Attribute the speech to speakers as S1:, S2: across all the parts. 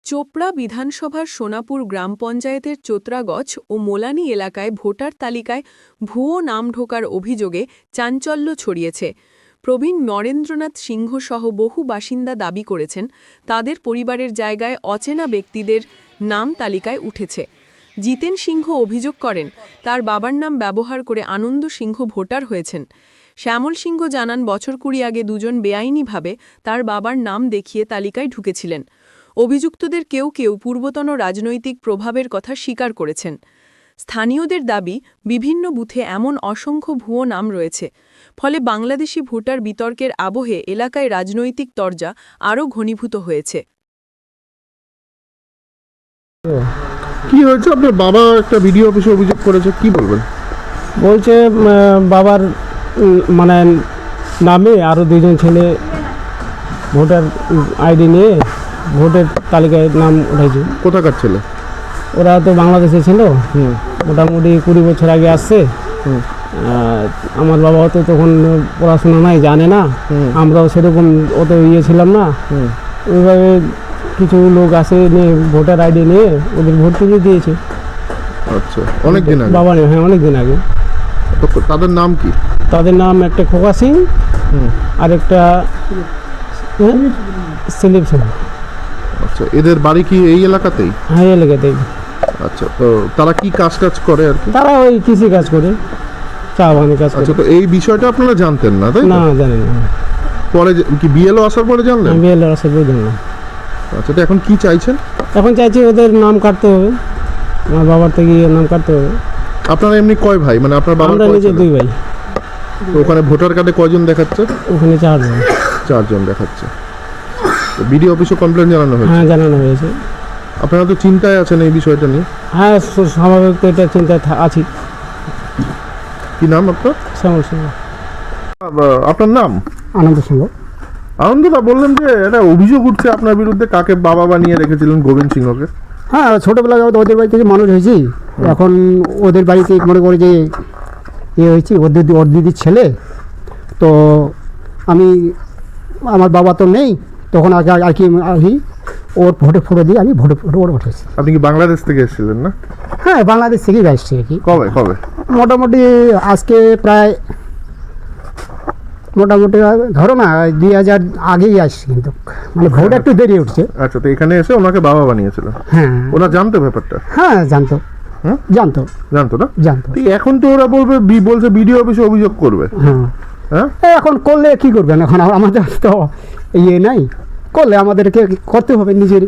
S1: চোপড়া বিধানসভার সোনাপুর গ্রাম পঞ্চায়েতের চোত্রাগছ ও মোলানি এলাকায় ভোটার তালিকায় ভুয়ো নাম ঢোকার অভিযোগে চাঞ্চল্য ছড়িয়েছে। প্রবীণ নরেন্দ্রনাথ সিংহ সহ বহু বাসিন্দা দাবি করেছেন তাদের পরিবারের জায়গায় অচেনা ব্যক্তিদের নাম তালিকায় উঠেছে। জিতেন সিংহ অভিযোগ করেন তার বাবার নাম ব্যবহার করে আনন্দ সিংহ ভোটার হয়েছেন। শ্যামল সিংহ জানান বছর ২০ আগে দুজন বেআইনিভাবে তার বাবার নাম দেখিয়ে তালিকায় ঢুকেছিলেন। অভিযুক্তদের কেউ কেউ পূর্বতন রাজনৈতিক প্রভাবের কথা স্বীকার করেছেন। স্থানীয়দের দাবি বিভিন্ন বুথে এমন অসংখ্য ভুয়ো নাম রয়েছে, ফলে বাংলাদেশি ভোটার বিতর্কের আবহে এলাকায় রাজনৈতিক তরজা আরও ঘনীভূত হয়েছে।
S2: কি হয়েছে? আপনার বাবা একটা বিডিও অফিসে অভিযোগ করেছে, কি বলবেন?
S3: বলছে বাবার মানে নামে আরও দুজন ছেলে ভোটার আইডি নিয়ে ভোটের তালিকায় নাম উঠেছে।
S2: কোথাকার ছেলে?
S3: ওরা তো বাংলাদেশে ছিল, মোটামুটি 20 বছর আগে আসছে। আমার বাবাও তো তখন পড়াশোনা নাই, জানে না, আমরাও সেরকম অত ছিলাম না। ওইভাবে কিছু লোক আসে নিয়ে ভোটার আইডি নিয়ে ওদের ভোট তুলে দিয়েছে।
S2: আচ্ছা, অনেক দিন আগে?
S3: বাবা হ্যাঁ, অনেক দিন আগে।
S2: তাদের নাম কি?
S3: তাদের নাম একটা খোকা সিং আর একটা সিলিপ সিং।
S2: আচ্ছা, এদের বাড়ি কি এই এলাকাতেই?
S3: হ্যাঁ, এই এলাকাতেই।
S2: আচ্ছা, তো তারা কি কাজ করে আর কি?
S3: তারা ওই কৃষি কাজ করে, চা বাগানের কাজ করে।
S2: আচ্ছা, তো এই বিষয়টা আপনারা জানতেন না, তাই
S3: না? জানেন না।
S2: পরে কি বিএলও আসার পরে জানলেন?
S3: বিএলও আসার পরে জানলাম।
S2: আচ্ছা, তো এখন কি চাইছেন?
S3: এখন চাইছি ওদের নাম কাটতে হবে, আমার বাবার থেকে নাম কাটতে হবে।
S2: আপনারা এমনি কয় ভাই? মানে আপনার বাবার
S3: নিজে 2 ভাই।
S2: তো ওখানে ভোটার কার্ডে কয়জন দেখাচ্ছে?
S3: ওখানে 4 জন।
S2: 4 জন দেখাচ্ছে। বিডিও অফিসে কমপ্লেন জানানো হয়েছে?
S3: হ্যাঁ, জানানো হয়েছে।
S2: আপনারা তো চিন্তায় আছেন এই বিষয়টা নিয়ে?
S3: হ্যাঁ, স্বাভাবিক তো এটা চিন্তায় আছি।
S2: কি নাম আপনার?
S3: শ্যামল সিংহ।
S2: আপনার নাম?
S3: আনন্দ সিংহ।
S2: আনন্দদা, বললেন যে এটা অভিযোগ উঠছে আপনার বিরুদ্ধে, কাকে বাবা বানিয়ে রেখেছিলেন? গোবিন্দ সিংহকে।
S4: হ্যাঁ, ছোটোবেলায় ওদের বাড়ি থেকে মানুষ হয়েছি, এখন ওদের বাড়িতে মনে করে যে হয়েছি, ওর দিদির ছেলে। তো আমার বাবা তো নেই তখন, আগে আর কি ওর ফটো দিয়ে আমি ফটো ওর উঠেছি।
S2: আপনি কি বাংলাদেশ থেকে এসেছিলেন না?
S4: হ্যাঁ, বাংলাদেশ থেকেই আসছি আর কি।
S2: কবে?
S4: মোটামুটি আজকে প্রায় ধরো না 2000 আগেই আসছি, কিন্তু মানে ভোট একটু দেরি উঠছে।
S2: আচ্ছা, তো এখানে এসে ওনাকে বাবা বানিয়েছিলেন?
S4: হ্যাঁ।
S2: ওরা জানতো ব্যাপারটা?
S4: হ্যাঁ, জানতো না? জানতো।
S2: এখন তো ওরা বলছে বিডিও অফিসে অভিযোগ করবে।
S4: হ্যাঁ, এখন করলে কি করবেন? এখন আমাদের তো নাই, করলে আমাদেরকে করতে হবে, নিজে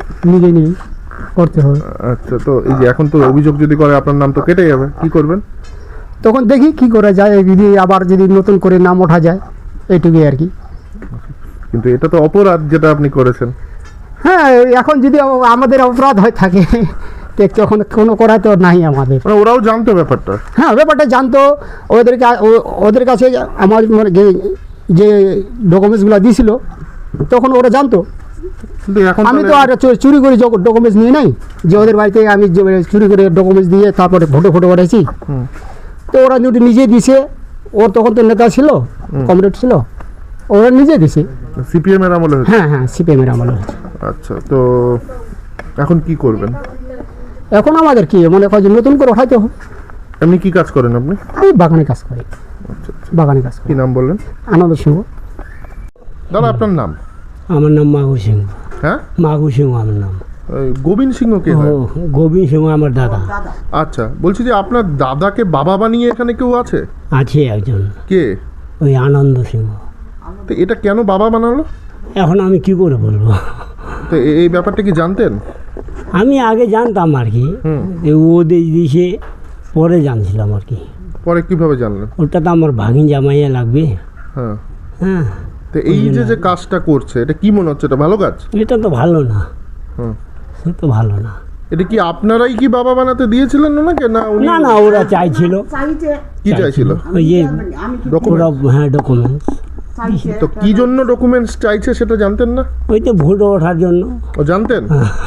S4: করতে হবে।
S2: আচ্ছা, তো এই যে এখন তো অভিযোগ যদি করে আপনার নাম তো কেটে যাবে, কি করবেন?
S4: তখন দেখি কি করা যায়, যদি নতুন করে নাম ওঠা যায়, এইটুকুই আর কি।
S2: কিন্তু এটা তো অপরাধ যেটা আপনি করেছেন।
S4: হ্যাঁ, এখন যদি আমাদের অপরাধ হয়ে থাকে তখন কোনো করা তো নাই আমাদের।
S2: ওরাও জানতো ব্যাপারটা?
S4: হ্যাঁ, ব্যাপারটা জানতো। ওদের কাছে আমার মানে যে ডকুমেন্টসগুলো দিয়েছিল তখন ওরা জানতো। আমি তো আর চুরি করে ডকুমেন্টস নিয়ে নাই যে ওদের বাড়িতে আমি চুরি করে ডকুমেন্টস দিয়ে তারপরে ফটো পাঠাইছি। তো ওরা যদি নিজে দিছে, ওর তখন তো নেতা ছিল, কমরেড ছিল, ওরা নিজে দিছে।
S2: সিপিএম এর আমলে?
S4: হ্যাঁ, সিপিএম এর আমলে।
S2: আচ্ছা, তো এখন কি করবেন?
S4: এখন আমাদের কি মনে হয় যে নতুন করে উঠাইতে হবে।
S2: এমনি কি কাজ করেন আপনি?
S4: এই বাগানে কাজ করি। বাগানে কাজ করি।
S2: কি নাম বললেন?
S4: আনন্দ সিংহ।
S2: দাদা, আপনার নাম?
S3: আমার নাম মাঘু সিংহ।
S2: হ্যাঁ,
S3: মাঘু সিংহ আমার নাম।
S2: গোবিন্দ সিংহ কে হয়?
S3: গোবিন্দ সিংহ আমার দাদা।
S2: আচ্ছা, বলছি যে আপনার দাদাকে বাবা বানিয়ে এখানে কেউ আছে?
S3: আছে একজন।
S2: কে?
S3: ওই আনন্দ সিংহ।
S2: তো এটা কেন বাবা বানালো?
S3: এখন আমি কি করে বলবো?
S2: তো এই ব্যাপারটা কি জানতেন?
S3: আমি আগে জানতাম আর কি, ওদের দিছে, পরে জানছিলাম আর কি।
S2: পরে কিভাবে জানলেন?
S3: ওটা তো আমার ভাগিন জামাইয়া লাগবে। হ্যাঁ।
S2: তো এই যে কাজটা করছে, এটা কি মনে হচ্ছে? এটা ভালো কাজ?
S3: এটা তো ভালো না। সে তো ভালো না।
S2: এটা কি আপনারাই কি বাবা বানাতে দিয়েছিলেন ওনাকে?
S3: না, ওরা চাইছিল।
S2: কি চাইছিল?
S3: ওই যে
S2: ডকুমেন্টস।
S3: হ্যাঁ, ডকুমেন্টস।
S2: তো কি জন্য ডকুমেন্টস চাইছে সেটা জানতেন না?
S3: ওই তো ভোট ওঠার জন্য।
S2: ও জানতেন?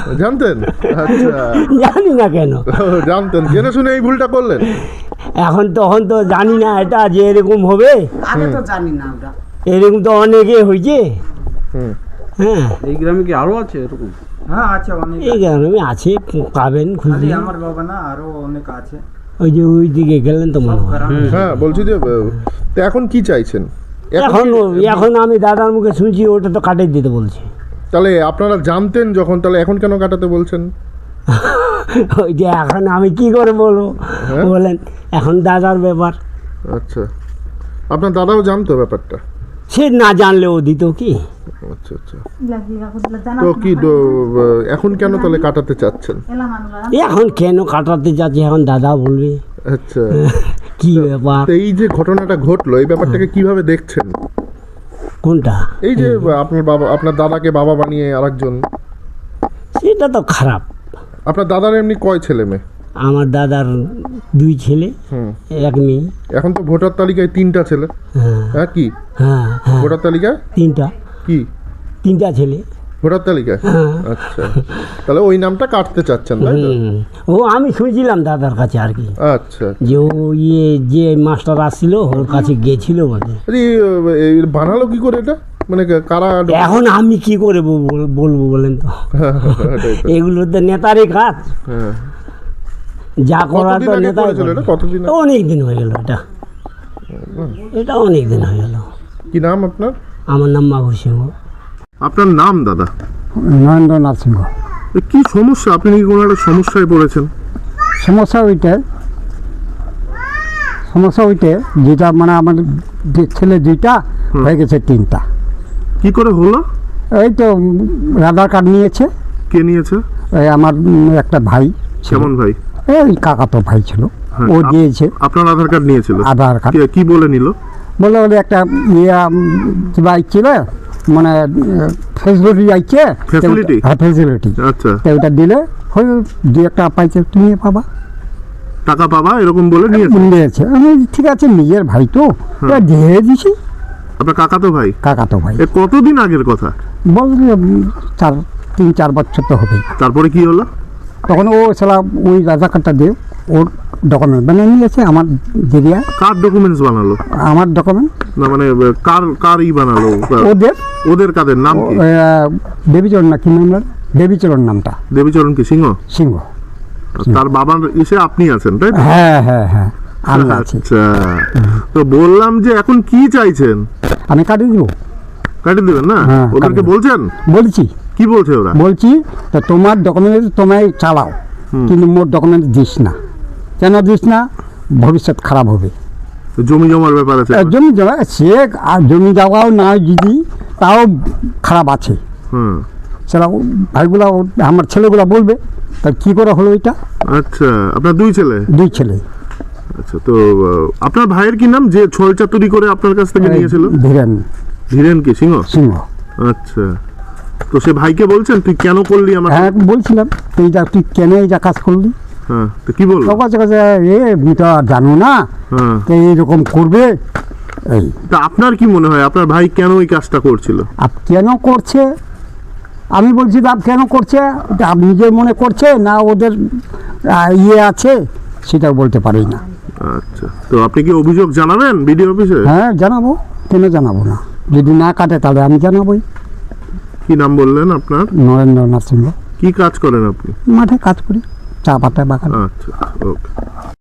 S2: আচ্ছা,
S3: জানি না কেন।
S2: জানতেন, জেনে শুনে এই ভুলটা করলেন?
S3: তখন তো জানি না এটা যে এরকম হবে। এরকম তো অনেকে হয়েছে।
S5: হ্যাঁ, এই গ্রামে কি আরো আছে এরকম? হ্যাঁ আছে অনেক,
S3: এই গ্রামে আছে, পাবেন
S5: খালি
S3: খুঁজলে।
S5: আমার বাবা না, আরো অনেক আছে।
S3: ওই যে ওই দিকে গেলেন তো মনে হয়।
S2: হ্যাঁ বলছি যে তো এখন কি চাইছেন?
S3: এখন এখন আমি দাদার মুখে শুনছি ওটা তো কাটিয়ে দিতে বলছে।
S2: তাহলে আপনারা জানতেন যখন, তাহলে এখন কেন কাটাতে বলছেন?
S3: ওই যে এখন আমি কি করে বলবো,
S2: হ্যাঁ?
S3: বলেন এখন দাদার ব্যাপার,
S2: আচ্ছা, আপনার দাদাও জানতো ব্যাপারটা?
S3: সে না জানলে ও দিত কি?
S2: আচ্ছা আচ্ছা, তো কি এখন কেন তাহলে কাটাতে চাচ্ছেন?
S3: এখন কেন কাটাতে যাচ্ছে এখন দাদা বলবে
S2: আচ্ছা,
S3: কি ব্যাপার।
S2: তো এই যে ঘটনাটা ঘটলো, এই ব্যাপারটাকে কিভাবে দেখছেন?
S3: কোনটা?
S2: এই যে আপনার বাবা, আপনার দাদাকে বাবা বানিয়ে আরেকজন,
S3: সেটা তো খারাপ।
S2: আপনার দাদার এমনি কয় ছেলে মেয়ে?
S3: আমার দাদার 2 ছেলে,
S2: হুম,
S3: 1 মেয়ে।
S2: এখন তো ভোটার তালিকায় 3টা ছেলে।
S3: হ্যাঁ
S2: হ্যাঁ, কি
S3: হ্যাঁ হ্যাঁ,
S2: ভোটার তালিকায়
S3: 3টা
S2: কি
S3: 3টা ছেলে।
S2: ভোটার তালিকায়?
S3: হ্যাঁ।
S2: আচ্ছা, তাহলে ওই নামটা কাটতে চাচ্ছেন, তাই তো?
S3: ও আমি শুনছিলাম দাদার কাছে আর কি,
S2: আচ্ছা,
S3: যে ও যে মাস্টার আসছিল ওর কাছে গেছিল বলে।
S2: এই বানালো কি করে এটা, মানে কারা?
S3: এখন আমি কি করে বলবো বলেন তো,
S2: এটাই তো।
S3: এগুলো তো নেতারই কাজ,
S2: হ্যাঁ,
S3: যা করার
S2: কতদিন
S3: তো
S2: আগে
S3: নেতাই
S2: করেছিল এটা? কতদিন আগে?
S3: অনেক দিন হয়ে গেল, এটা অনেক দিন হয়ে গেল।
S2: কি নাম আপনার?
S3: আমার নাম মাঘু সিংহ।
S2: আপনার নাম দাদা?
S4: নরেন্দ্রনাথ সিংহ।
S2: কি সমস্যা? আপনি কি কোনো একটা সমস্যায় পড়েছেন?
S4: সমস্যা ওইটা যেটা মানে আমার যে ছেলে 2টা হয়ে গেছে 3টা।
S2: কি করে হলো?
S4: এই তো আধার কার্ড নিয়েছে,
S2: কে নিয়েছে?
S4: এই আমার একটা ভাই ছিল,
S2: কেমন ভাই?
S4: এই কাকাতো ভাই ছিল,
S2: হ্যাঁ,
S4: ও দিয়েছে
S2: আপনার আধার কার্ড নিয়েছিল?
S4: আধার কার্ড।
S2: কি বলে নিল?
S4: বলে একটা কিবা আইছিল, মানে ফেসিলিটি আইছে।
S2: Facility?
S4: হ্যাঁ, ফেসিলিটি।
S2: আচ্ছা,
S4: তো ওটা দিলে হয় 2-1 পাইছে, তুমি পাবা,
S2: টাকা পাবা এরকম বলে নিয়েছে?
S4: নিয়েছে। আমি ঠিক আছে, নিজের ভাই তো এটা দিয়ে দিছি।
S2: আপনার কাকাতো ভাই?
S4: কাকাতো ভাই
S2: এ কতদিন আগের কথা?
S4: বলছে 3-4 বছর তো হবেই।
S2: তারপরে কি হলো?
S4: তখন ও সালা ওই আধার কার্ডটা দিয়ে ওর ডকুমেন্ট বানিয়ে নিয়েছে, আমার দিদিয়া
S2: কার ডকুমেন্টস বানালো?
S4: আমার ডকুমেন্ট
S2: না মানে কার বানালো?
S4: ওদের
S2: ওদের কাদের নাম কি?
S4: দেবীচরণ না কি নাম, দেবীচরণ নামটা।
S2: দেবীচরণ কি সিংহ?
S4: সিংহ।
S2: তার বাবার এসে আপনি আছেন, তাই তো?
S4: হ্যাঁ হ্যাঁ হ্যাঁ, আমি আছি।
S2: আচ্ছা, তো বললাম যে এখন কি চাইছেন?
S4: আমি কাটিয়ে দিব,
S2: কাটিয়ে দেবেন না?
S4: হ্যাঁ,
S2: ওদেরকে
S4: কাটিয়ে দেব।
S2: বলছেন?
S4: বলছি
S2: কি বলছে ওরা?
S4: বলছি তো তোমার ডকুমেন্ট তোমায় চালাও, কিন্তু মোর ডকুমেন্ট দিস না। কেন দিস না? ভবিষ্যৎ খারাপ হবে।
S2: জমি জমার ব্যাপার আছে?
S4: জমি জমা সে আর জমি যাওয়াও না যদি, তাও খারাপ আছে।
S2: হুম,
S4: সেটা ভাইগুলা আমার ছেলেগুলা বলবে, তা কী করে হলো এটা?
S2: আচ্ছা, আপনার 2 ছেলে?
S4: 2 ছেলে।
S2: আচ্ছা, তো আপনার ভাইয়ের কি নাম, যে ছল চাতুরি করে আপনার কাছ থেকে নিয়েছিল?
S4: ধীরেন
S2: ধীরেন কি সিংহ?
S4: সিংহ।
S2: আচ্ছা, তো সে ভাইকে বলছেন তুই কেন করলি আমার?
S4: হ্যাঁ বলছিলাম, তুই কেন এই যা কাজ করলি?
S2: হ্যাঁ, তো কি বললো?
S4: কাছে কাছে আমি তো আর জানো না,
S2: হ্যাঁ,
S4: তো এইরকম করবে। এই
S2: তা আপনার কি মনে হয় আপনার ভাই কেন এই কাজটা করছিল?
S4: আপ কেন করছে, আমি বলছি আপ কেন করছে, এটা আপ নিজের মনে করছে না ওদের ইয়ে আছে, সেটাও বলতে পারি না।
S2: আচ্ছা, তো আপনি কি অভিযোগ জানাবেন বিডিও অফিসে?
S4: হ্যাঁ জানাবো, কেন জানাবো না? যদি না কাটে তাহলে আমি জানাবোই।
S2: কি নাম বললেন আপনার?
S4: নরেন্দ্রনাথ সিংহ।
S2: কি কাজ করেন আপনি?
S4: মাঠে কাজ করি, চা পাতা বাগান।
S2: আচ্ছা, ওকে।